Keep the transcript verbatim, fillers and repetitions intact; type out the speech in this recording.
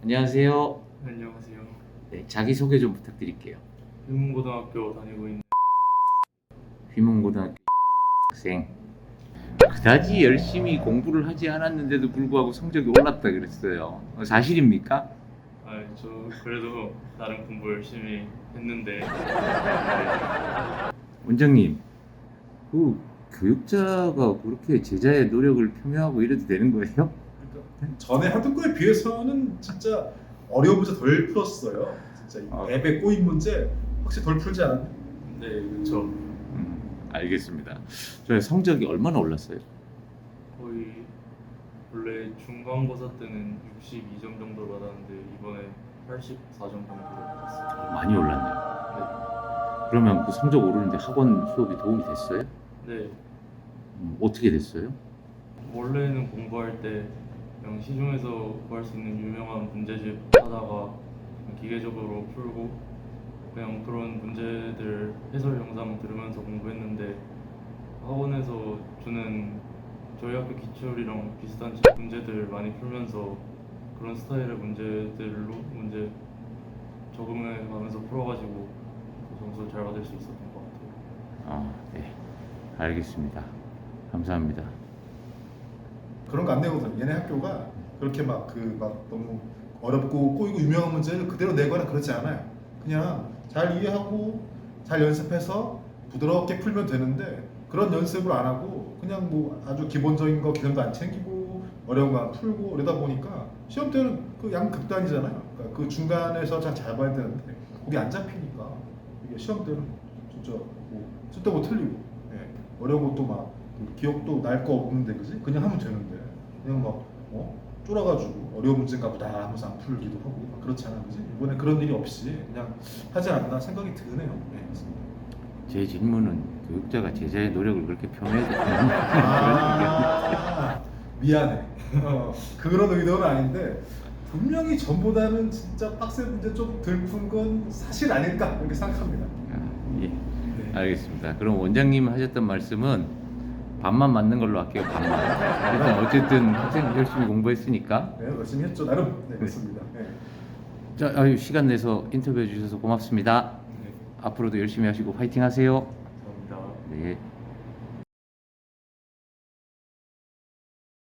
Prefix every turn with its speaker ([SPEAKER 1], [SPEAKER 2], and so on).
[SPEAKER 1] 안녕하세요.
[SPEAKER 2] 안녕하세요.
[SPEAKER 1] 네, 자기소개 좀 부탁드릴게요.
[SPEAKER 2] 휘문고등학교 다니고 있는
[SPEAKER 1] 휘문고등학교 학생. 그다지 열심히 공부를 하지 않았는데도 불구하고 성적이 올랐다 그랬어요. 사실입니까?
[SPEAKER 2] 아, 저 그래도 나름 공부 열심히 했는데 네,
[SPEAKER 1] 원장님, 그 교육자가 그렇게 제자의 노력을 표명하고 이래도 되는 거예요?
[SPEAKER 3] 그러니까 전에 하던 거에 비해서는 진짜 어려운 문제 덜 풀었어요. 진짜 이
[SPEAKER 1] 아.
[SPEAKER 3] 앱의 꼬인 문제 확실히 덜 풀지 않았나요?
[SPEAKER 2] 네, 그렇죠.
[SPEAKER 1] 음, 알겠습니다. 저의 성적이 얼마나 올랐어요?
[SPEAKER 2] 거의 원래 중간고사 때는 육십이 점 정도 받았는데 이번에 팔십사 점 정도 받았어요.
[SPEAKER 1] 많이 올랐네요. 그러면 그 성적 오르는데 학원 수업이 도움이 됐어요?
[SPEAKER 2] 네,
[SPEAKER 1] 음, 어떻게 됐어요?
[SPEAKER 2] 원래는 공부할 때 그냥 시중에서 구할 수 있는 유명한 문제집 하다가 그냥 기계적으로 풀고 그냥 그런 문제들 해설 영상 들으면서 공부했는데 학원에서 주는 저희 학교 기출이랑 비슷한 문제들 많이 풀면서 그런 스타일의 문제들로 문제 적응해 가면서 풀어가지고 점수 잘 받을 수 있었던 것 같아요.
[SPEAKER 1] 아, 네. 알겠습니다. 감사합니다.
[SPEAKER 3] 그런 거 안 내거든. 얘네 학교가 그렇게 막 그 막 너무 어렵고 꼬이고 유명한 문제를 그대로 내거나 그러지 않아요. 그냥 잘 이해하고 잘 연습해서 부드럽게 풀면 되는데 그런 연습을 안 하고 그냥 뭐 아주 기본적인 거 개념도 안 챙기고 어려운 거 안 풀고 이러다 보니까 시험 때는 그 양극단이잖아요. 그러니까 그 중간에서 잘 잡아야 되는데 거기 안 잡히니까 이게 시험 때는 진짜 뭐 쓸데고 틀리고 예. 어려운 것도 막 기억도 날 거 없는데 그지? 그냥 하면 되는데 그냥 막 어? 쫄아가지고 어려운 문제인가 보다 하면서 안 풀기도 하고 막 그렇잖아 그지? 이번에 그런 일이 없이 그냥 하지 않나 생각이 드네요. 네, 맞습니다.
[SPEAKER 1] 제 질문은 교육자가 제자의 노력을 그렇게 표명해도 되는 그런
[SPEAKER 3] 아, 미안해. 어, 그런 의도는 아닌데 분명히 전보다는 진짜 빡센 문제 좀 덜 푼 건 사실 아닐까 이렇게 생각합니다.
[SPEAKER 1] 얘기야. 아, 예.
[SPEAKER 2] 네.
[SPEAKER 1] 알겠습니다. 그럼 원장님 하셨던 말씀은 반만 맞는 걸로 할게요. 반만. 일단 어쨌든 학생 열심히 공부했으니까.
[SPEAKER 3] 네, 열심히 했죠. 나름. 네, 맞습니다. 네.
[SPEAKER 1] 자, 아유, 시간 내서 인터뷰해 주셔서 고맙습니다.
[SPEAKER 2] 네,
[SPEAKER 1] 앞으로도 열심히 하시고 화이팅 하세요.
[SPEAKER 2] 감사합니다.
[SPEAKER 1] 네.